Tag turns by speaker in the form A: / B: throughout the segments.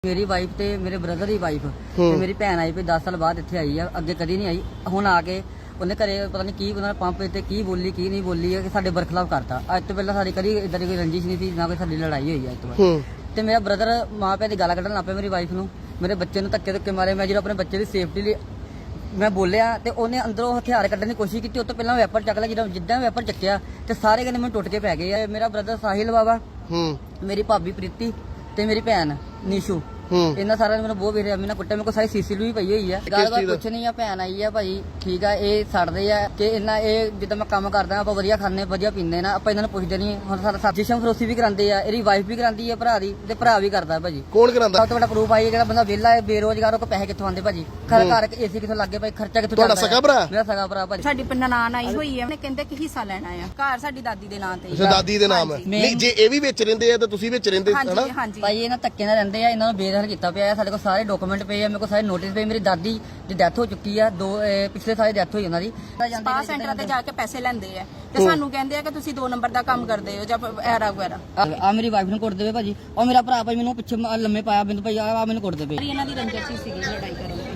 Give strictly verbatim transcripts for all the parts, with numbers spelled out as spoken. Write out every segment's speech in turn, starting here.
A: ਮੇਰੀ ਵਾਈਫ ਤੇ ਮੇਰੇ ਬ੍ਰਦਰ ਦੀ ਵਾਈਫ ਤੇ ਮੇਰੀ ਭੈਣ ਆਈ ਪਈ ਦਸ ਸਾਲ ਬਾਅਦ ਇੱਥੇ ਆਈ ਆ, ਅੱਗੇ ਕਦੀ ਨਹੀਂ ਆਈ। ਹੁਣ ਆ ਕੇ ਉਹਨੇ ਘਰੇ ਪਤਾ ਨਹੀਂ ਕੀ ਉਹਨਾਂ ਪੰਪ ਤੇ ਕੀ ਬੋਲੀ ਕੀ ਨਹੀਂ ਬੋਲੀ ਹੈ ਕਿ ਸਾਡੇ ਬਰਖਲਾਫ ਕਰਤਾ। ਅੱਜ ਤੋਂ ਪਹਿਲਾਂ ਸਾਡੀ ਕਦੀ ਇਦਾਂ ਦੀ ਕੋਈ ਰੰਜਿਸ਼ ਨਹੀਂ ਸੀ, ਨਾ ਕੋਈ ਸਾਡੀ ਲੜਾਈ ਹੋਈ ਹੈ ਅੱਜ ਤੋਂ ਬਾਅਦ। ਤੇ ਮੇਰਾ ਬ੍ਰਦਰ ਮਾਂ ਪਿਓ ਦੀ ਗਾਲਾਂ ਕੱਢਣ ਲੱਗ ਪਿਆ ਮੇਰੀ ਵਾਈਫ ਨੂੰ, ਮੇਰੇ ਬੱਚੇ ਨੂੰ ਧੱਕੇ ਧੱਕੇ ਮਾਰੇ। ਮੈਂ ਜਦੋਂ ਆਪਣੇ ਬੱਚੇ ਦੀ ਸੇਫਟੀ ਲਈ ਮੈਂ ਬੋਲਿਆ ਤੇ ਉਹਨੇ ਅੰਦਰੋਂ ਹਥਿਆਰ ਕੱਢਣ ਦੀ ਕੋਸ਼ਿਸ਼ ਕੀਤੀ। ਉਹ ਤੋਂ ਪਹਿਲਾਂ ਵੈਪਰ ਚੱਕ ਲਿਆ, ਜਦੋਂ ਜਿੱਦਾਂ ਵੈਪਰ ਚੱਕਿਆ ਤੇ ਸਾਰੇ ਕਹਿੰਦੇ ਮੈਨੂੰ ਟੁੱਟ ਕੇ ਪੈ ਗਏ ਆ। ਮੇਰਾ ਬ੍ਰਦਰ ਸਾਹਿਲ ਬਾਬਾ, ਮੇਰੀ ਭਾਬੀ ਪ੍ਰੀਤੀ ਤੇ ਮੇਰੀ ਭੈਣ ਨੀਸ਼ੂ, ਇਹਨਾਂ ਸਾਰਿਆਂ ਨੇ ਮੈਨੂੰ ਬਹੁਤ ਵੇਰਿਆ, ਮੈਨੂੰ ਕੁੱਟਿਆ। ਮੇਰੇ ਕੋਲ ਸਾਰੀ ਸੀਸੀਟੀਵੀ ਵੀ ਪਈ ਹੋਈ ਹੈ। ਗੱਲਬਾਤ ਕੁਛ ਨਹੀਂ ਆ, ਭੈਣ ਆਈ ਆ ਭਾਈ, ਠੀਕ ਆ। ਇਹ ਛੱਡਦੇ ਆ ਕਿ ਇਹਨਾਂ ਇਹ ਜਿੱਦਾਂ ਮੈਂ ਕੰਮ ਕਰਦਾ ਆਪਾਂ ਵਧੀਆ ਖਾਂਦੇ ਵਧੀਆ ਪੀਂਦੇ ਨਾ, ਆਪਾਂ ਇਹਨਾਂ ਨੂੰ ਪੁੱਛਦੇ ਨਹੀਂ। ਹੁਣ ਸਾਡਾ ਸਾਜਿਸ਼ਮ ਫਰੋਸੀ ਵੀ ਕਰਾਉਂਦੇ ਆ, ਇਹਦੀ ਵਾਈਫ ਵੀ ਕਰਾਉਂਦੀ ਹੈ ਭਰਾ ਦੀ, ਤੇ ਭਰਾ ਵੀ ਕਰਦਾ ਭਾਜੀ।
B: ਕੌਣ ਕਰਾਉਂਦਾ?
A: ਸਭ ਤੋਂ ਵੱਡਾ ਪ੍ਰੂਫ ਆਈ ਜਿਹੜਾ ਬੰਦਾ ਵਿਹਲਾ ਹੈ ਬੇਰੋਜ਼ਗਾਰ, ਉਹ ਪੈਸੇ ਕਿੱਥੋਂ ਆਉਂਦੇ ਭਾਜੀ? ਘਰ ਘਰ ਏਸੀ ਕਿੱਥੋਂ ਲੱਗੇ ਭਾਈ? ਖਰਚਾ ਕਿੱਥੋਂ
B: ਤੁਹਾਡਾ ਸਗਾ ਭਰਾ?
A: ਮੇਰਾ ਸਗਾ ਭਰਾ ਭਾਜੀ।
C: ਸਾਡੀ ਨਨਾਣ ਆਈ ਹੋਈ ਹੈ, ਉਹਨੇ ਕਹਿੰਦੇ ਕਿ ਹਿੱਸਾ ਲੈਣਾ ਆ ਘਰ ਸਾਡੀ ਦਾਦੀ ਦੇ ਨਾਂ ਤੇ।
B: ਅੱਛਾ, ਦਾਦੀ ਦੇ ਨਾਮ ਹੈ। ਨਹੀਂ ਜੇ ਇਹ ਵੀ ਵਿੱਚ ਰਹਿੰਦੇ ਆ ਤਾਂ ਤੁਸੀਂ ਵਿੱਚ ਰਹਿੰਦੇ ਹਨਾ?
C: ਹਾਂਜੀ ਹਾਂਜੀ
A: ਭਾਈ ਇਹਨਾਂ ਧੱਕੇ ਨਾਲ ਰਹਿੰਦੇ ਆ, ਇਹਨਾਂ ਨੂੰ ਬੇਦਖਲ ਕੀਤਾ ਪਿਆ। ਸਾਡੇ ਕੋਲ ਸਾਰੇ ਡਾਕੂਮੈਂਟ ਪਏ ਆ, ਮੇਰੇ ਕੋਲ ਸਾਰੇ ਨੋਟਿਸ ਪਏ। ਮੇਰੀ ਦਾਦੀ ਦੀ ਡੈਥ ਹੋ ਚੁੱਕੀ ਆ, ਦੋ ਪਿਛਲੇ ਸਾਲ ਡੈਥ ਹੋਈ ਉਹਨਾਂ ਦੀ।
C: ਸਪਾ ਸੈਂਟਰ ਤੇ ਜਾ ਕੇ ਪੈਸੇ ਲੈਂਦੇ ਆ ਤੇ ਸਾਨੂੰ ਕਹਿੰਦੇ ਆ ਕਿ ਤੁਸੀਂ ਦੋ ਨੰਬਰ ਦਾ ਕੰਮ ਕਰਦੇ ਹੋ ਜਾਂ ਐਰਾ ਵਗੈਰਾ।
A: ਆ ਮੇਰੀ ਵਾਈਫ ਨੂੰ ਕੁੱਟ ਦੇਵੇ ਭਾਜੀ, ਉਹ ਮੇਰਾ ਭਰਾ ਭਾਈ ਮੈਨੂੰ ਪਿੱਛੇ ਲੰਮੇ ਪਾਇਆ ਬਿੰਦ ਭਾਈ, ਆ ਮੈਨੂੰ ਕੁੱਟ ਦੇਵੇ।
C: ਇਹਨਾਂ ਦੀ ਰੰਜਿਸ਼ ਸੀਗੀ ਲੜਾਈ ਕਰਨ ਦੀ।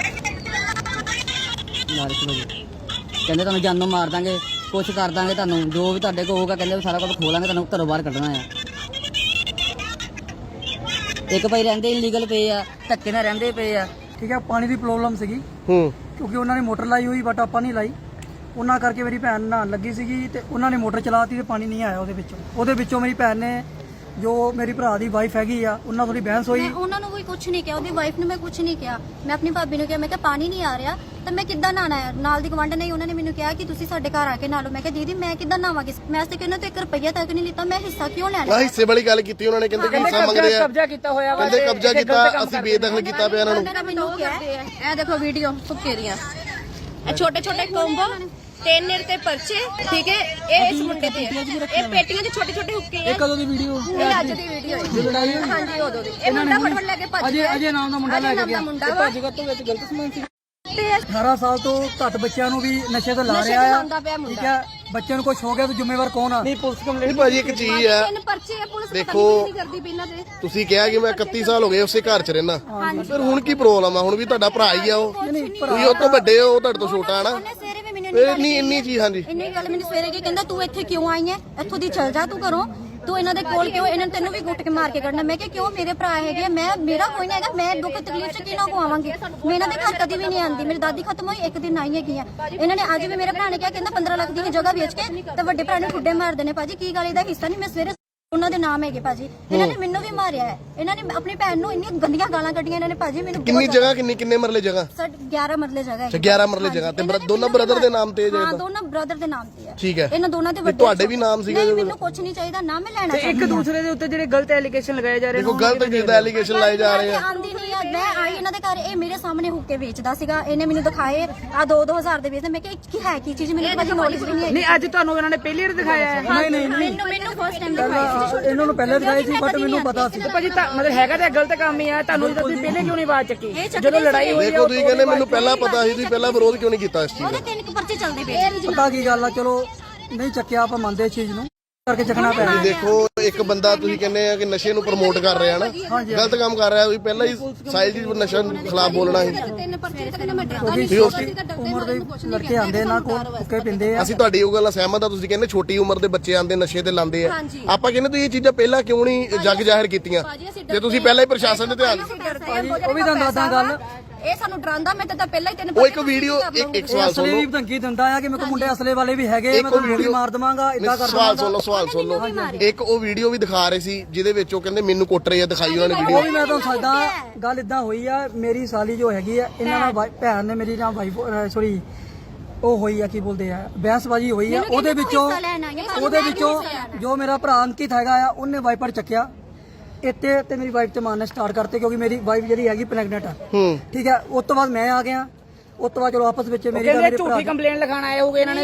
A: ਕਹਿੰਦੇ ਤੁਹਾਨੂੰ ਜਾਨੋਂ ਮਾਰ ਦਾਂਗੇ, ਕੁਛ ਕਰ ਦਾਂਗੇ ਤੁਹਾਨੂੰ, ਜੋ ਵੀ ਤੁਹਾਡੇ ਕੋਲ ਹੋਊਗਾ ਕਹਿੰਦੇ ਸਾਰਾ ਕੁਝ ਖੋਲਾਂਗੇ, ਤੁਹਾਨੂੰ ਘਰੋਂ ਬਾਹਰ ਕੱਢਣਾ ਆ। ਇੱਕ ਭਾਈ ਰਹਿੰਦੇ ਇਲੀਗਲ ਪਏ ਆ, ਧੱਕੇ ਨਾਲ ਰਹਿੰਦੇ ਪਏ ਆ।
D: ਠੀਕ ਹੈ, ਪਾਣੀ ਦੀ ਪ੍ਰੋਬਲਮ ਸੀਗੀ
B: ਹੂੰ
D: ਕਿਉਂਕਿ ਉਹਨਾਂ ਨੇ ਮੋਟਰ ਲਾਈ ਹੋਈ, ਬਟ ਆਪਾਂ ਨਹੀਂ ਲਾਈ। ਉਹਨਾਂ ਕਰਕੇ ਮੇਰੀ ਭੈਣ ਨਹਾਉਣ ਲੱਗੀ ਸੀਗੀ ਤੇ ਉਹਨਾਂ ਨੇ ਮੋਟਰ ਚਲਾਤੀ ਤੇ ਪਾਣੀ ਨਹੀਂ ਆਇਆ ਉਹਦੇ ਵਿੱਚੋਂ। ਉਹਦੇ ਵਿੱਚੋਂ ਮੇਰੀ ਭੈਣ ਨੇ, ਜੋ ਮੇਰੀ ਭਰਾ ਦੀ ਵਾਈਫ ਹੈਗੀ ਆ, ਉਹਨਾਂ ਥੋੜੀ ਬਹਿਸ ਹੋਈ।
E: ਮੈਂ ਉਹਨਾਂ ਨੂੰ ਕੋਈ ਕੁਝ ਨਹੀਂ ਕਿਹਾ, ਉਹਦੀ ਵਾਈਫ ਨੂੰ ਮੈਂ ਕੁਝ ਨਹੀਂ ਕਿਹਾ। ਮੈਂ ਆਪਣੀ ਭਾਬੀ ਨੂੰ ਕਿਹਾ, ਮੈਂ ਕਿਹਾ ਪਾਣੀ ਨਹੀਂ ਆ ਰਿਹਾ ਤਾਂ ਮੈਂ ਕਿੱਦਾਂ ਨਹਾਣਾ ਹੈ? ਨਾਲ ਦੀ ਗਵਾਂਢ ਨੇ ਉਹਨਾਂ ਨੇ ਮੈਨੂੰ ਕਿਹਾ ਕਿ ਤੁਸੀਂ ਸਾਡੇ ਘਰ ਆ ਕੇ ਨਹਾ ਲਓ। ਮੈਂ ਕਿਹਾ ਦੀਦੀ ਮੈਂ ਕਿੱਦਾਂ ਨਹਾਵਾਂਗੀ? ਮੈਂ ਤੇ ਕਿਹਨਾਂ ਤੋਂ ਇੱਕ ਰੁਪਈਆ ਤੱਕ ਨਹੀਂ ਲਿੱਤਾ, ਮੈਂ ਹਿੱਸਾ ਕਿਉਂ ਲੈਣਾ?
B: ਆ ਹਿੱਸੇ ਵਾਲੀ ਗੱਲ ਕੀਤੀ ਉਹਨਾਂ ਨੇ, ਕਹਿੰਦੇ ਕਿ ਹਿੱਸਾ ਮੰਗਦੇ ਆ।
D: ਕਬਜ਼ਾ ਕੀਤਾ ਹੋਇਆ ਵਾ,
B: ਕਹਿੰਦੇ ਕਬਜ਼ਾ ਕੀਤਾ, ਅਸੀਂ ਬੇਦਖਲ ਕੀਤਾ ਪਿਆ ਇਹਨਾਂ ਨੂੰ।
E: ਉਹਨਾਂ ਨੇ ਮੈਨੂੰ ਕਿਹਾ
C: ਇਹ ਦੇਖੋ ਵੀਡੀਓ ਸੁੱਕੇ ਦੀਆਂ, ਇਹ ਛੋਟੇ ਛੋਟੇ ਕੋਂਬੋ ਤਿੰਨ ਨੇਰ ਤੇ ਪਰਚੇ, ਠੀਕ ਹੈ। ਇਹ ਇਸ ਮੁੰਡੇ ਤੇ ਇਹ ਪੇਟੀਆਂ 'ਚ ਛੋਟੇ ਛੋਟੇ ਹੁੱਕੇ ਆ।
D: ਇਹ ਕਦੋਂ ਦੀ ਵੀਡੀਓ?
C: ਇਹ ਅੱਜ ਦੀ ਵੀਡੀਓ ਹੈ। ਹਾਂਜੀ ਉਦੋਂ ਦੀ। ਇਹ ਮੁੰਡਾ ਫਟਫਟ ਲੈ ਕੇ ਭੱਜ
D: ਅਜੇ
C: ਗਿਆ।
D: ਅਜੇ ਨਾਮ ਦਾ ਮੁੰਡਾ ਲੈ ਕੇ ਗਿਆ।
C: ਭੱਜ
D: ਗਿਆ ਤੋਂ ਵਿੱਚ ਗਲਤ ਸਮਾਨ ਸੀ। ਅਠਾਰਾਂ ਸਾਲ ਤੋਂ ਘੱਟ ਬੱਚਿਆਂ ਨੂੰ ਵੀ ਨਸ਼ੇ ਤੋਂ ਲਾ ਰਿਹਾ ਆ, ਠੀਕ ਹੈ। ਬੱਚਿਆਂ ਨੂੰ ਕੁਝ ਹੋ ਗਿਆ ਤਾਂ ਜ਼ਿੰਮੇਵਾਰ ਕੌਣ ਆ? ਨਹੀਂ ਪੁਲਿਸ ਕੰਪਲੇਂਟ।
B: ਭਾਜੀ ਇੱਕ ਚੀਜ਼ ਆ,
C: ਤਿੰਨ ਪਰਚੇ ਆ, ਪੁਲਿਸ
B: ਦੇਖੋ
C: ਨਹੀਂ ਕਰਦੀ ਬਿਨਾਂ ਦੇ।
B: ਤੁਸੀਂ ਕਿਹਾ ਕਿ ਮੈਂ ਇਕੱਤੀ ਸਾਲ ਹੋ ਗਏ ਉਸੇ ਘਰ 'ਚ ਰਹਿਣਾ, ਫਿਰ ਹੁਣ ਕੀ ਪ੍ਰੋਬਲਮ ਆ? ਹੁਣ ਵੀ ਤੁਹਾਡਾ ਭਰਾ ਹੀ ਆ ਉਹ, ਤੁਸੀਂ ਉਹ ਤੋਂ ਵੱਡੇ ਹੋ, ਉਹ ਤੁਹਾਡੇ ਤੋਂ ਛੋਟਾ ਹੈ ਨਾ।
E: ਉਹਨੇ ਸਵੇਰੇ ਵੀ ਮੈਨੂੰ
B: ਫਿਰ ਨਹੀਂ ਇੰਨੀ ਚੀਜ਼। ਹਾਂਜੀ
E: ਇੰਨੀ ਗੱਲ ਮੈਨੂੰ ਸਵੇਰੇ ਕੀ ਕਹਿੰਦਾ, ਤੂੰ ਇੱਥੇ ਕਿਉਂ ਆਈ ਹੈ? ਇੱਥੋਂ ਦੀ ਚਲ ਜਾ ਤੂੰ ਘਰੋਂ, ਤੂੰ ਇਹਨਾਂ ਦੇ ਕੋਲ ਕਿਉਂ? ਇਹਨਾਂ ਨੇ ਤੈਨੂੰ ਵੀ ਗੁੱਟ ਕੇ ਮਾਰ ਕੇ ਕੱਢਣਾ। ਮੈਂ ਕਿਹਾ ਕਿਉਂ? ਮੇਰੇ ਭਰਾ ਹੈਗੇ, ਮੈਂ ਮੇਰਾ ਕੋਈ ਨਹੀਂ ਹੈਗਾ, ਮੈਂ ਦੁੱਖ ਤਕਲੀਫ 'ਚ ਕਿਹਨਾਂ ਕੋ ਆਵਾਂਗੀ? ਮੈਂ ਇਹਨਾਂ ਦੇ ਘਰ ਕਦੀ ਵੀ ਨਹੀਂ ਆਂਦੀ। ਮੇਰੀ ਦਾਦੀ ਖਤਮ ਹੋਈ ਇੱਕ ਦਿਨ ਆਈ ਹੈਗੀ ਆ। ਇਹਨਾਂ ਨੇ ਅੱਜ ਵੀ ਮੇਰੇ ਭਰਾ ਨੇ ਕਿਹਾ, ਕਹਿੰਦਾ ਪੰਦਰਾਂ ਲੱਖ ਦੀ ਜਗ੍ਹਾ ਵੇਚ ਕੇ ਤੇ ਵੱਡੇ ਭਰਾ ਨੂੰ ਠੁੱਡੇ ਮਾਰ ਦੇਣੇ। ਭਾਜੀ ਕੀ ਗੱਲ, ਇਹਦਾ ਹਿੱਸਾ ਨਹੀਂ? ਮੈਂ ਸਵੇਰੇ ਉਹਨਾਂ ਦੇ ਨਾਮ ਹੈਗੇ ਭਾਜੀ, ਇਹਨਾਂ ਨੇ ਮੈਨੂੰ ਵੀ ਮਾਰਿਆ ਹੈ। ਇਹਨਾਂ ਨੇ ਆਪਣੀ ਭੈਣ ਨੂੰ ਇੰਨੀਆਂ ਗੰਦੀਆਂ ਗਾਲਾਂ ਕੱਢੀਆਂ ਇਹਨਾਂ ਨੇ ਭਾਜੀ ਮੈਨੂੰ।
B: ਕਿੰਨੀ ਜਗ੍ਹਾ, ਕਿੰਨੀ ਕਿੰਨੇ ਮਰਲੇ ਜਗ੍ਹਾ?
E: ਸਰ ਗਿਆਰਾਂ ਮਰਲੇ ਜਗ੍ਹਾ ਹੈ।
B: ਗਿਆਰਾਂ ਮਰਲੇ ਜਗ੍ਹਾ ਤੇ ਦੋਨਾਂ ਬ੍ਰਦਰ ਦੇ ਨਾਮ ਤੇ?
E: ਹਾਂ ਦੋਨਾਂ ਬ੍ਰਦਰ ਦੇ ਨਾਮ ਤੇ ਹੈ।
B: ਠੀਕ ਹੈ।
E: ਇਹਨਾਂ ਦੋਨਾਂ ਦੇ ਵੱਡੇ
B: ਤੁਹਾਡੇ ਵੀ ਨਾਮ ਸੀਗੇ?
E: ਨਹੀਂ ਮੈਨੂੰ ਕੁਝ ਨਹੀਂ ਚਾਹੀਦਾ, ਨਾ ਮੈਂ ਲੈਣਾ।
D: ਇੱਕ ਦੂਸਰੇ ਦੇ ਉੱਤੇ ਜਿਹੜੇ ਗਲਤ ਐਲੀਗੇਸ਼ਨ ਲਗਾਏ ਜਾ ਰਹੇ ਨੇ,
B: ਦੇਖੋ ਗਲਤ ਜਿੱਦਾਂ ਐਲੀਗੇਸ਼ਨ ਲਾਏ ਜਾ ਰਹੇ ਆ।
E: ਆਂਦੀ ਨਹੀਂ ਆ। ਮੈਂ ਆਈ ਇਹਨਾਂ ਦੇ ਘਰ, ਇਹ ਮੇਰੇ ਸਾਹਮਣੇ ਹੁੱਕੇ ਵੇਚਦਾ ਸੀਗਾ। ਇਹਨੇ ਮੈਨੂੰ ਦਿਖਾਏ ਆ ਦੋ ਦੋ ਹਜ਼ਾਰ ਦੇ ਵੇਚਦੇ। ਮੈਂ ਕਿਹਾ ਕੀ ਹੈ ਕੀ ਚੀਜ਼? ਮੈਨੂੰ ਭਾਜੀ ਨੌਲੇਜ ਵੀ ਨਹੀਂ ਹੈ।
D: ਨਹੀਂ ਅੱਜ ਤੁਹਾਨੂੰ ਇਹਨਾਂ ਨੇ ਪਹਿਲੀ ਵਾਰ ਦਿਖਾਇਆ ਹੈ?
E: ਨਹੀਂ ਨਹੀਂ ਮੈਨੂੰ ਮੈਨੂੰ ਫਸਟ ਟਾਈਮ ਦਿਖਾਇਆ ਸੀ।
D: ਇਹਨਾਂ ਨੂੰ ਪਹਿਲੇ ਦਿਖਾਈ ਸੀ, ਬਟ ਮੈਨੂੰ ਪਤਾ ਸੀ। ਭਾਜੀ ਤਾਂ ਮਤਲਬ ਹੈਗਾ ਤਾਂ ਗਲਤ ਕੰਮ ਹੀ ਆ। ਤੁਹਾਨੂੰ ਤੁਸੀਂ ਪਹਿਲੇ ਕਿਉਂ ਨਹੀਂ ਆਵਾਜ਼ ਚੱਕੀ ਜਦੋਂ ਲੜਾਈ ਹੋਈ?
B: ਦੇਖੋ ਤੁਸੀਂ ਕਹਿੰਦੇ ਮੈਨੂੰ ਪਹਿਲਾਂ ਪਤਾ ਸੀ, ਤੁਸੀਂ ਪਹਿਲਾਂ ਵਿਰੋਧ ਕਿਉਂ ਨਹੀਂ ਕੀਤਾ ਇਸ ਚੀਜ਼ ਦਾ?
E: ਉਹਦੇ ਤਿੰਨ ਕੁ ਪਰਚੇ ਚੱਲਦੇ ਪਏ।
D: ਪਤਾ ਕੀ ਗੱਲ ਆ, ਚਲੋ ਨਹੀਂ ਚੱਕਿਆ, ਆਪਾਂ ਮੰਨਦੇ ਇਸ ਚੀਜ਼ ਨੂੰ, ਕਰਕੇ ਚੱਕਣਾ ਪਿਆ।
B: ਦੇਖੋ ਇੱਕ ਬੰਦਾ ਤੁਸੀਂ ਕਹਿੰਦੇ ਆ ਕਿ ਨਸ਼ੇ ਨੂੰ ਪ੍ਰਮੋਟ ਕਰ ਰਿਹਾ ਨਾ, ਗਲਤ ਕੰਮ ਕਰ ਰਿਹਾ। ਤੁਸੀਂ ਪਹਿਲਾਂ ਹੀ ਸਾਈਜ਼ ਦੀ ਨਸ਼ਾ ਖਿਲਾਫ ਬੋਲਣਾ ਸੀ।
C: ਤਿੰਨ ਪਰਚੇ ਤੱਕ ਨਾ ਮੈਂ
D: ਉਮਰ ਦੇ ਲੜਕੇ ਆਂਦੇ ਨਾ ਕੋਲ ਹੁੱਕੇ ਪਿੰਦੇ ਆ।
B: ਅਸੀਂ ਤੁਹਾਡੀ ਉਹ ਗੱਲ ਸਹਿਮਤ ਆ। ਤੁਸੀਂ ਕਹਿੰਦੇ ਛੋਟੀ ਉਮਰ ਦੇ ਬੱਚੇ ਆਂਦੇ ਨਸ਼ੇ ਤੇ ਲਾਉਂਦੇ ਆ। ਆਪਾਂ ਕਹਿੰਦੇ ਤੁਸੀਂ ਇਹ ਚੀਜ਼ਾਂ ਪਹਿਲਾਂ ਕਿਉਂ ਨਹੀਂ ਜੱਗ ਜ਼ਾਹਿਰ ਕੀਤੀਆਂ ਜੇ ਤੁਸੀਂ ਪਹਿਲਾਂ ਹੀ ਪ੍ਰਸ਼ਾਸਨ ਦੇ ਧਿਆਨ?
D: ਉਹ ਵੀ ਤੁਹਾਨੂੰ ਦੱਸਦਾ ਗੱਲ,
C: ਇਹ ਸਾਨੂੰ ਡਰਾਂਦਾ। ਮੈਂ ਤਾਂ ਪਹਿਲਾਂ ਹੀ ਤਿੰਨ
B: ਉਹ ਇੱਕ ਵੀਡੀਓ ਇੱਕ ਇੱਕ ਸਵਾਲ ਸੁਣ
D: ਅਸਲੇ
B: ਲਓ।
D: ਵੀ ਧਮਕੀ ਦਿੰਦਾ ਆ ਕਿ ਮੇਰੇ ਕੋਲ ਮੁੰਡੇ ਅਸਲੇ ਵਾਲੇ ਵੀ ਹੈਗੇ, ਮੈਂ ਤੁਹਾਨੂੰ ਗੋਲੀ ਮਾਰ ਦਵਾਂਗਾ, ਇਦਾਂ ਕਰ
B: ਸਵਾਲ ਸੁਣ ਲਓ, ਸਵਾਲ ਸੁਣ ਲਓ। ਇੱਕ ਉਹ ਵੀਡੀਓ ਵੀ ਦਿਖਾ ਰਹੇ ਸੀ ਜਿਹਦੇ ਵਿੱਚ ਉਹ ਕਹਿੰਦੇ ਮੈਨੂੰ ਕੁੱਟ ਰਹੇ ਆ, ਦਿਖਾਈ ਉਹਨਾਂ ਨੇ
D: ਉਹ
B: ਵੀਡੀਓ।
D: ਵੀ ਮੈਂ ਤੁਹਾਨੂੰ ਦੱਸਦਾ ਗੱਲ ਇਦਾਂ ਹੋਈ ਆ। ਮੇਰੀ ਸਾਲੀ ਜੋ ਹੈਗੀ ਆ, ਇਹਨਾਂ ਨਾਲ ਵਾਈ- ਭੈਣ ਨੇ ਮੇਰੀ ਨਾਲ ਵਾਈਫ ਸੋਰੀ ਉਹ ਹੋਈ ਆ, ਕੀ ਬੋਲਦੇ ਆ, ਬਹਿਸਬਾਜੀ ਹੋਈ ਆ। ਉਹਦੇ ਵਿੱਚੋਂ ਉਹਦੇ ਵਿੱਚੋਂ ਜੋ ਮੇਰਾ ਭਰਾ ਅੰਕਿਤ ਹੈਗਾ ਆ, ਉਹਨੇ ਵਾਈਪਰ ਚੱਕਿਆ ਇੱਥੇ ਤੇ ਮੇਰੀ ਵਾਈਫ ਤੇ ਮਾਰਨਾ ਸਟਾਰਟ ਕਰਤੇ, ਕਿਉਂਕਿ ਮੇਰੀ ਵਾਈਫ ਜਿਹੜੀ ਹੈਗੀ ਪ੍ਰੈਗਨੈਂਟ ਆ। ਠੀਕ ਹੈ। ਉਸ ਤੋਂ ਬਾਅਦ ਮੈਂ ਆ ਗਿਆ। ਉਸ ਤੋਂ ਬਾਅਦ ਚਲੋ ਆਪਸ ਵਿੱਚ ਮੇਰੀ ਗੱਲ, ਮੇਰੇ ਭਰਾ
F: ਝੂਠੀ ਕੰਪਲੇਂਟ ਲਿਖਾਣ ਆਏ ਹੋਗੇ ਇਹਨਾਂ ਨੇ।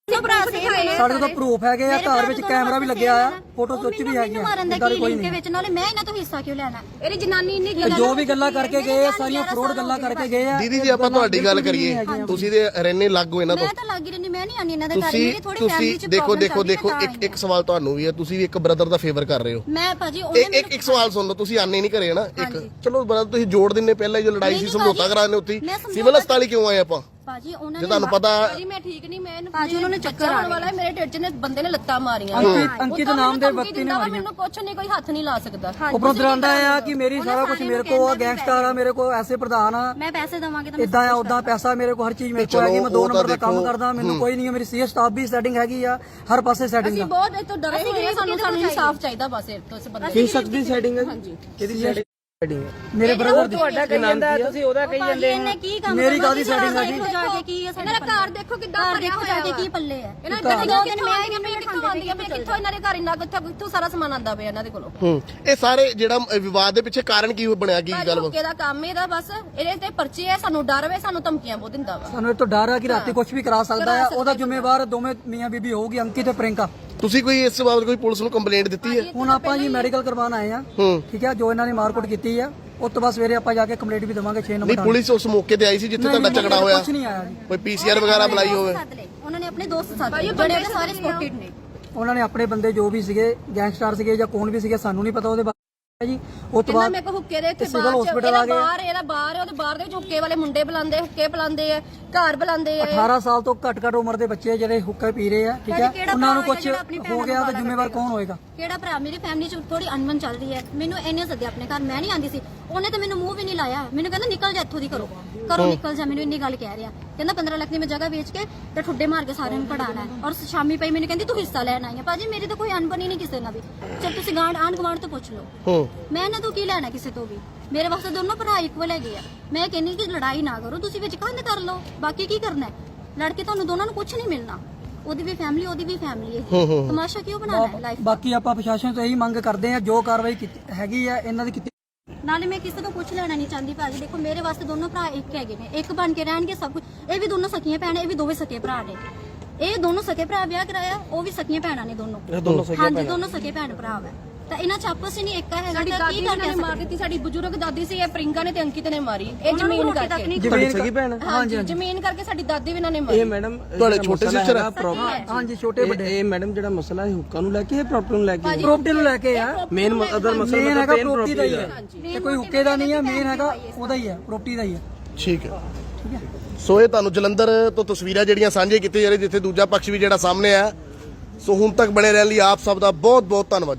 D: ਸਾਡੇ ਕੋਲ ਪ੍ਰੂਫ ਹੈਗੇ ਆ, ਘਰ ਵਿੱਚ ਕੈਮਰਾ ਵੀ ਲੱਗਿਆ ਆ, ਫੋਟੋ ਖਿੱਚ ਵੀ ਹੈਗੀ ਆ,
E: ਮਾਰਨ ਦਾ
D: ਇਦਾਂ
E: ਕੀ
D: ਕੋਈ
E: ਲਿੰਕ
D: ਨਹੀਂ।
E: ਵਿੱਚ ਨਾਲੇ ਮੈਂ ਇਹਨਾਂ ਤੋਂ ਹਿੱਸਾ ਕਿਉਂ ਲੈਣਾ?
C: ਇਹਦੀ ਜਨਾਨੀ ਇੰਨੀ
D: ਤੇ ਜੋ ਵੀ ਗੱਲਾਂ ਕਰਕੇ ਗਏ ਆ ਸਾਰੀਆਂ ਫਰੋਡ ਗੱਲਾਂ ਕਰਕੇ ਗਏ ਆ।
B: ਦੀਦੀ ਜੀ ਆਪਾਂ ਤੁਹਾਡੀ ਗੱਲ ਕਰੀਏ, ਤੁਸੀਂ ਤੇ ਰਹਿੰਦੇ ਲੱਗੋ ਇਹਨਾਂ ਤੋਂ,
E: ਮੈਂ ਤਾਂ ਲੱਗ ਹੀ ਰਹਿੰਦੀ, ਮੈਂ ਨਹੀਂ ਆਨੀ ਇਹਨਾਂ ਦੇ ਘਰ।
B: ਤੁਸੀਂ
E: ਮੇਰੀ ਥੋੜੀ ਫੈਮਿਲੀ
B: ਤੁਸੀਂ
E: ਚ
B: ਦੇਖੋ
E: problem
B: ਦੇਖੋ
E: ਚੱਲਦੀ
B: ਦੇਖੋ
E: ਹੈ,
B: ਇੱਕ ਇੱਕ ਸਵਾਲ ਤੁਹਾਨੂੰ ਵੀ ਹੈ, ਤੁਸੀਂ ਵੀ ਇੱਕ ਬ੍ਰਦਰ ਦਾ ਫੇਵਰ ਕਰ ਰਹੇ ਹੋ।
E: ਮੈਂ ਭਾਜੀ ਉਹਨੇ
B: ਇੱਕ ਇੱਕ ਇੱਕ ਸਵਾਲ ਸੁਣ ਲਓ, ਤੁਸੀਂ ਆਨੇ ਨਹੀਂ ਘਰੇ ਨਾ ਇੱਕ, ਚਲੋ ਬ੍ਰਦਰ ਤੁਸੀਂ ਜੋੜ ਦਿੰਨੇ, ਪਹਿਲਾਂ ਜੋ ਲੜਾਈ ਸੀ ਸਮਝੌਤਾ ਕਰਾਣੇ ਉੱਥੇ ਸਿਵਲ ਹਸਪਤਾਲ ਕਿਉਂ ਆਏ ਆਪਾਂ?
E: ਭਾਜੀ ਉਹਨਾਂ
B: ਜੇ
E: ਨੇ
B: ਤੁਹਾਨੂੰ ਪਤਾ
C: ਭਾਜੀ ਮੈਂ ਠੀਕ ਨਹੀਂ, ਮੈਂ ਇਹਨੂੰ
E: ਭਾਜੀ ਉਹਨਾਂ ਨੇ ਚੱਕਰ
C: ਆਉਣ ਵਾਲਾ ਹੈ, ਮੇਰੇ ਢਿੱਡ 'ਚ ਨੇ ਬੰਦੇ ਨੇ ਲੱਤਾਂ ਮਾਰੀਆਂ।
D: ਅੰਕਿਤ ਅੰਕਿਤ ਨਾਮ ਦੇ ਵਿਅਕਤੀ ਨੇ ਮਾਰੀਆਂ।
C: ਮੈਨੂੰ ਕੁਛ ਨਹੀਂ, ਕੋਈ ਹੱਥ ਨਹੀਂ ਲਾ ਸਕਦਾ।
D: ਉੱਪਰੋਂ ਦਰਾਂਦਾ ਆ ਕਿ ਮੇਰੀ ਸਾਰਾ ਕੁਝ ਮੇਰੇ ਕੋਲ ਆ, ਗੈਂਗਸਟਰ ਆ ਮੇਰੇ ਕੋਲ, ਐਸੇ ਪ੍ਰਧਾਨ ਆ,
E: ਮੈਂ ਪੈਸੇ ਦਵਾਂਗੇ ਤਾਂ
D: ਇਦਾਂ ਆ ਉਦਾਂ ਪੈਸਾ ਮੇਰੇ ਕੋਲ, ਹਰ ਚੀਜ਼ ਮੇਰੇ ਕੋਲ ਹੈਗੀ, ਮੈਂ ਦੋ ਨੰਬਰ ਦਾ ਕੰਮ ਕਰਦਾ, ਮੈਨੂੰ ਕੋਈ ਨਹੀਂ ਹੈ, ਮੇਰੀ ਸੀ ਸਟਾਫ ਵੀ ਸੈਟਿੰਗ ਹੈਗੀ ਆ, ਹਰ ਪਾਸੇ ਸੈਟਿੰਗ
C: ਅਸੀਂ
D: ਆ।
C: ਬਹੁਤ ਇਹ ਤੋਂ ਡਰੇ ਹੋਏ ਹਾਂ, ਸਾਨੂੰ ਸਾਨੂੰ ਇਨਸਾਫ ਚਾਹੀਦਾ ਬਸ ਇਹ ਤੋਂ, ਇਸ ਬੰਦੇ
F: ਕੀ ਸਕਦੀ ਸੈਟਿੰਗ ਹੈ ਜੀ? ਕਿਹਦੀ ਸੈਟਿੰਗ?
D: ਮੇਰੇ ਬ੍ਰਦਰ ਦੀ
F: ਤੁਹਾਡਾ ਕਹੀ ਜਾਂਦਾ, ਤੁਸੀਂ ਉਹਦਾ ਕਹੀ ਜਾਂਦੇ
E: ਇਹਨੇ ਕੀ ਕੰਮ
D: ਮੇਰੀ ਕਾਹਦੀ setting ਆ ਜੀ?
E: ਦੇਖੋ ਜਾ ਕੇ ਕੀ ਹੈ
C: ਇਹਨਾਂ ਦਾ ਘਰ ਦੇਖੋ ਕਿੱਦਾਂ
E: ਘਰ
C: ਭਰਿਆ
E: ਦੇਖੋ ਜਾ ਕੇ
C: ਹੋਇਆ
E: ਕੀ ਪੱਲੇ ਹੈ।
C: ਇਹਨਾਂ ਦੇ ਦੋ ਦਿਨ ਮੈਂ ਆਈ ਮੈਂ ਕਿੱਥੋਂ ਆਉਂਦੀ ਆ, ਮੈਂ ਕਿੱਥੋਂ ਇਹਨਾਂ ਦੇ ਘਰ ਇੰਨਾ ਕਿੱਥੋਂ ਕਿੱਥੋਂ ਸਾਰਾ ਸਮਾਨ ਆਂਦਾ ਪਿਆ ਇਹਨਾਂ ਦੇ ਕੋਲੋਂ।
B: ਹੂੰ ਇਹ ਸਾਰੇ ਜਿਹੜਾ ਅ, ਵਿਵਾਦ ਦੇ ਪਿੱਛੇ ਕਾਰਨ ਕੀ ਬਣਿਆ, ਕੀ ਗੱਲ
C: ਹੁੱਕੇ ਦਾ ਕੰਮ ਇਹਦਾ ਬਸ, ਇਹਦੇ ਤੇ ਪਰਚੇ ਆ, ਸਾਨੂੰ ਡਰ ਵੇ, ਸਾਨੂੰ ਧਮਕੀਆਂ ਬਹੁਤ ਦਿੰਦਾ ਵਾ।
D: ਸਾਨੂੰ ਇਹ ਤੋਂ ਡਰ ਆ ਕਿ ਰਾਤੀ ਕੁਝ ਵੀ ਕਰਾ ਸਕਦਾ ਆ, ਉਹਦਾ ਜ਼ਿੰਮੇਵਾਰ ਦੋਵੇਂ ਮੀਆਂ ਬੀਬੀ ਹੋਊਗੀ, ਅੰਕਿਤ ਤੇ ਪ੍ਰਿੰਕਾ।
B: ਤੁਸੀਂ ਕੋਈ ਇਸ ਬਾਬਤ ਕੋਈ ਪੁਲਿਸ ਨੂੰ ਕੰਪਲੇਂਟ ਦਿੱਤੀ ਹੈ?
D: ਹੁਣ ਆਪਾਂ ਜੀ ਮੈਡੀਕਲ ਕਰਵਾਉਣ ਆਏ ਆ,
B: ਹੂੰ
D: ਠੀਕ ਹੈ, ਜੋ ਇਹਨਾਂ ਨੇ ਮਾਰਕੁੱਟ ਕੀਤੀ ਆ, ਉਸ ਤੋਂ ਬਾਅਦ ਸਵੇਰੇ ਆਪਾਂ ਜਾ ਕੇ ਕੰਪਲੇਂਟ ਵੀ ਦੇਵਾਂਗੇ ਛੇ ਨੰਬਰ
B: ਨਹੀਂ ਪੁਲਿਸ ਉਸ ਮੌਕੇ ਤੇ ਆਈ ਸੀ ਜਿੱਥੇ ਤੁਹਾਡਾ ਝਗੜਾ ਹੋਇਆ?
D: ਕੁਝ ਨਹੀਂ ਆਇਆ ਜੀ,
B: ਕੋਈ ਪੀਸੀਆਰ ਵਗੈਰਾ ਬੁਲਾਈ ਹੋਵੇ?
E: ਉਹਨਾਂ ਨੇ ਆਪਣੇ ਦੋਸਤ ਸਾਥ ਲਏ, ਜਿਹੜੇ ਉਹਦੇ ਸਾਰੇ ਸਪੋਰਟਡ ਨੇ।
D: ਉਹਨਾਂ ਨੇ ਆਪਣੇ ਬੰਦੇ ਜੋ ਵੀ ਸੀਗੇ, ਗੈਂਗਸਟਰ ਸੀਗੇ ਜਾਂ ਕੌਣ ਵੀ ਸੀਗੇ, ਸਾਨੂੰ ਨਹੀਂ ਪਤਾ ਉਹਦੇ ਬਾਰੇ ਜੀ। ਉਸ ਤੋਂ
C: ਇਹਨਾਂ
D: ਬਾਅਦ
C: ਮੇਰੇ ਕੋ ਹੁੱਕੇ ਦੇ ਇੱਥੇ
D: ਸਿਵਲ
C: ਬਾਹਰ
D: hospital
C: ਇਹਦਾ
D: ਆ ਗਏ।
C: ਬਾਹਰ ਇਹਦਾ ਬਾਹਰ ਹੈ, ਉਹਦੇ ਬਾਹਰ ਦੇ ਵਿੱਚ ਹੁੱਕੇ ਵਾਲੇ ਮੁੰਡੇ ਬੁਲਾਉਂਦੇ, ਹੁੱਕੇ ਬੁਲਾਉਂਦੇ ਆ, ਘਰ ਬੁਲਾਉਂਦੇ ਆ।
D: ਅਠਾਰਾਂ ਸਾਲ ਤੋਂ ਘੱਟ ਘੱਟ ਉਮਰ ਦੇ ਬੱਚੇ ਜਿਹੜੇ ਹੁੱਕਾ ਪੀ ਰਹੇ ਆ, ਠੀਕ ਹੈ, ਉਹਨਾਂ ਨੂੰ ਕੁਝ ਹੋ ਗਿਆ ਤਾਂ ਜ਼ਿੰਮੇਵਾਰ ਕੌਣ ਹੋਏਗਾ?
E: ਕਿਹੜਾ ਭਰਾ? ਮੇਰੀ ਫੈਮਿਲੀ ਚ ਥੋੜੀ ਅਨਬਨ ਚੱਲ ਰਹੀ ਹੈ, ਮੈਨੂੰ ਇਹਨੇ ਸੱਦਿਆ ਆਪਣੇ ਘਰ, ਮੈਂ ਨਹੀਂ ਆਂਦੀ ਸੀ, ਉਹਨੇ ਤਾਂ ਮੈਨੂੰ ਮੂੰਹ ਵੀ ਨਹੀਂ ਲਾਇਆ, ਮੈਨੂੰ ਕਹਿੰਦਾ ਨਿਕਲ ਜਾ ਇੱਥੋਂ ਦੀ, ਕਰੋ ਕਰੋ ਨਿਕਲ ਜਾ, ਮੈਨੂੰ ਇੰਨੀ ਗੱਲ ਕਹਿ ਰਿਹਾ। ਕਹਿੰਦਾ ਪੰਦਰਾਂ ਲੱਖ ਦੀ ਮੈਂ ਜਗ੍ਹਾ ਵੇਚ ਕੇ ਤੇ ਠੁੱਡੇ ਮਾਰ ਕੇ ਸਾਰਿਆਂ ਨੂੰ ਪੜਾਣਾ ਹੈ, ਔਰ ਸ਼ਾਮੀ ਪਈ ਮੈਨੂੰ ਕਹਿੰਦੀ ਤੂੰ ਹਿੱਸਾ ਲੈਣ ਆਈ ਹੈ। ਭਾਜੀ ਮੇਰੀ ਤਾਂ ਕੋਈ ਅਨਬਨ ਹੀ ਨਹੀਂ ਕਿਸੇ ਨਾਲ ਵੀ, ਚਲ ਤੁਸੀਂ ਗਾਂਢ ਆਂਢ ਗੁਆਂਢ ਤੋਂ ਪੁੱਛ ਲਓ,
B: ਹੂੰ
E: ਮੈਂ ਇਹਨਾਂ ਤੋਂ ਕੀ ਲੈਣਾ ਕਿਸੇ ਤੋਂ ਵੀ। ਮੇਰੇ ਵਾਸਤੇ ਦੋਨੋਂ ਭਰਾ ਇਕੁਅਲ ਹੈਗੇ ਆ। ਮੈਂ ਕਹਿੰਨੀ ਕਿ ਲੜਾਈ ਨਾ ਕਰੋ, ਤੁਸੀਂ ਵਿੱਚ ਕੰਧ ਕਰ ਲਓ, ਬਾਕੀ ਕੀ ਕਰਨਾ ਹੈ? ਲੜ ਕੇ ਤੁਹਾਨੂੰ ਦੋਨਾਂ ਨੂੰ ਕੁਝ ਨਹੀਂ ਮਿਲਣਾ, ਉਹਦੀ ਵੀ ਫੈਮਿਲੀ ਉਹਦੀ ਵੀ ਫੈਮਿਲੀ ਹੈ, ਤਮਾਸ਼ਾ ਕਿਉਂ ਬਣਾਉਣਾ ਹੈ ਲਾਈਫ?
D: ਬਾਕੀ ਆਪਾਂ ਪ੍ਰਸ਼ਾਸਨ ਤੋਂ ਇਹੀ ਮੰਗ ਕਰਦੇ ਆ, ਜੋ ਕਾਰਵਾਈ ਕੀਤੀ ਹੈਗੀ ਆ ਇਹਨਾਂ ਦੀ ਕੀਤੀ।
E: ਨਾਲੇ ਮੈਂ ਕਿਸੇ ਤੋਂ ਕੁਝ ਲੈਣਾ ਨਹੀਂ ਚਾਹੁੰਦੀ ਭਾਜੀ, ਦੇਖੋ ਮੇਰੇ ਵਾਸਤੇ ਦੋਨੋਂ ਭਰਾ ਇੱਕ ਹੈਗੇ ਨੇ, ਇੱਕ ਬਣ ਕੇ ਰਹਿਣਗੇ ਸਭ ਕੁਝ। ਇਹ ਵੀ ਦੋਨੋਂ ਸਕੀਆਂ ਭੈਣਾਂ, ਇਹ ਵੀ ਦੋਵੇਂ ਸਕੇ ਭਰਾ ਨੇ, ਇਹ ਦੋਨੋਂ ਸਕੇ ਭਰਾ ਵਿਆਹ ਕਰਾਇਆ, ਉਹ ਵੀ ਸਕੀਆਂ ਭੈਣਾਂ ਨੇ ਦੋਨੋਂ। ਹਾਂਜੀ ਦੋਨੋਂ ਸਕੇ ਭੈਣ ਭਰਾ ਵਾ, ਤਾਂ ਇਹਨਾਂ ਚ ਆਪਸ ਹੀ ਨਹੀਂ ਇੱਕ ਹੈਗਾ।
C: ਸਾਡੀ
E: ਤਾਂ
C: ਦਾਦੀ
E: ਕੀ
C: ਨੇ
E: ਕਰਕੇ
C: ਮਾਰ ਦਿੱਤੀ, ਸਾਡੀ ਬਜ਼ੁਰਗ ਦਾਦੀ ਸੀ, ਇਹ ਪ੍ਰਿੰਗਾ ਨੇ ਤੇ ਅੰਕਿਤ ਨੇ ਮਾਰੀ, ਇਹ ਜ਼ਮੀਨ ਕਰਕੇ।
F: ਜ਼ਮੀਨ ਸਕੀ ਭੈਣ?
C: ਹਾਂਜੀ ਜ਼ਮੀਨ ਕਰਕੇ ਸਾਡੀ ਦਾਦੀ ਵੀ ਇਹਨਾਂ ਨੇ ਮਾਰੀ।
F: ਇਹ ਮੈਡਮ
B: ਤੁਹਾਡੇ ਛੋਟੇ ਸਿਸਟਰ ਆ?
D: ਹਾਂਜੀ ਛੋਟੇ ਵੱਡੇ।
F: ਇਹ ਮੈਡਮ ਜਿਹੜਾ ਮਸਲਾ ਹੈ ਹੁੱਕਾ ਨੂੰ ਲੈ ਕੇ, ਇਹ ਪ੍ਰੋਪਰਟੀ ਨੂੰ ਲੈ ਕੇ?
D: ਪ੍ਰੋਪਰਟੀ ਨੂੰ ਲੈ ਕੇ ਆ,
F: ਮੇਨ ਅਦਰ ਮਸਲਾ
D: ਮੇਨ ਹੈਗਾ ਪ੍ਰੋਪਰਟੀ ਦਾ ਹੀ ਹੈ, ਇਹ ਕੋਈ ਹੁੱਕੇ ਦਾ ਨਹੀਂ ਹੈ, ਮੇਨ ਹੈਗਾ ਉਹਦਾ ਹੀ ਹੈ, ਪ੍ਰੋਪਰਟੀ ਦਾ ਹੀ ਹੈ।
B: ਠੀਕ ਹੈ ਠੀਕ ਹੈ। ਸੋ ਇਹ ਤੁਹਾਨੂੰ ਜਲੰਧਰ ਤੋਂ ਤਸਵੀਰਾਂ ਜਿਹੜੀਆਂ ਸਾਂਝੇ ਕੀਤੀਆਂ ਜਾ ਰਹੀਆਂ, ਜਿੱਥੇ ਦੂਜਾ ਪੱਖ ਵੀ ਜਿਹੜਾ ਸਾਹਮਣੇ ਆ। ਸੋ ਹੁਣ ਤੱਕ ਬਣੇ ਰਹਿਣ ਲਈ ਆਪ ਸਭ ਦਾ ਬਹੁਤ ਬਹੁਤ ਧੰਨਵਾਦ।